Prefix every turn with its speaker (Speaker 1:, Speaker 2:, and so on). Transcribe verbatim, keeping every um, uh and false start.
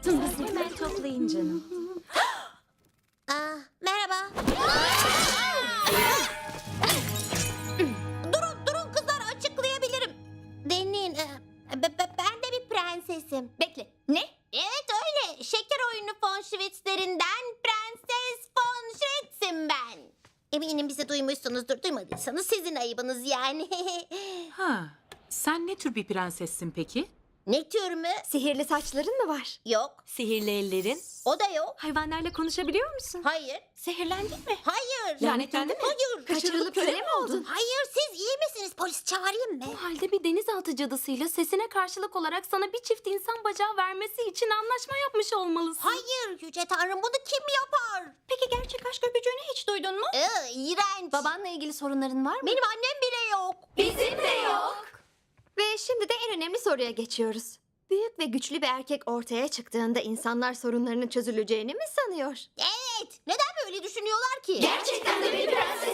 Speaker 1: Hemen toplayın canım.
Speaker 2: Aa, merhaba. durun, durun kızlar, açıklayabilirim. Dinleyin, e, be- be- ben de bir prensesim.
Speaker 1: Bekle. Ne?
Speaker 2: Evet öyle. Şeker oyunu von Schwitz'lerinden Prenses von Schwitz'im ben. Eminim bizi duymuşsunuzdur. Duymadıysanız sizin ayıbınız yani.
Speaker 3: Ha, sen ne tür bir prensessin peki?
Speaker 2: Ne tür mü?
Speaker 1: Sihirli saçların mı var?
Speaker 2: Yok.
Speaker 1: Sihirli ellerin?
Speaker 2: O da yok.
Speaker 1: Hayvanlarla konuşabiliyor musun?
Speaker 2: Hayır.
Speaker 1: Sihirlendin mi?
Speaker 2: Hayır.
Speaker 1: Lanetlendin mi?
Speaker 2: Hayır.
Speaker 1: Kaçırılıp köle mi oldun?
Speaker 2: Hayır, siz iyi misiniz? Polis çağırayım mı?
Speaker 1: O halde bir denizaltı cadısıyla sesine karşılık olarak sana bir çift insan bacağı vermesi için anlaşma yapmış olmalısın.
Speaker 2: Hayır Yüce Tanrım, bunu kim yapar?
Speaker 1: Peki gerçek aşk öpücüğünü hiç duydun mu?
Speaker 2: Ee, iğrenç.
Speaker 1: Babanla ilgili sorunların var mı?
Speaker 2: Benim annem bile yok.
Speaker 1: Bizim de yok. Ve şimdi de en önemli soruya geçiyoruz. Büyük ve güçlü bir erkek ortaya çıktığında insanlar sorunlarının çözüleceğini mi sanıyor?
Speaker 2: Evet. Neden böyle düşünüyorlar ki?
Speaker 1: Gerçekten de bir prenses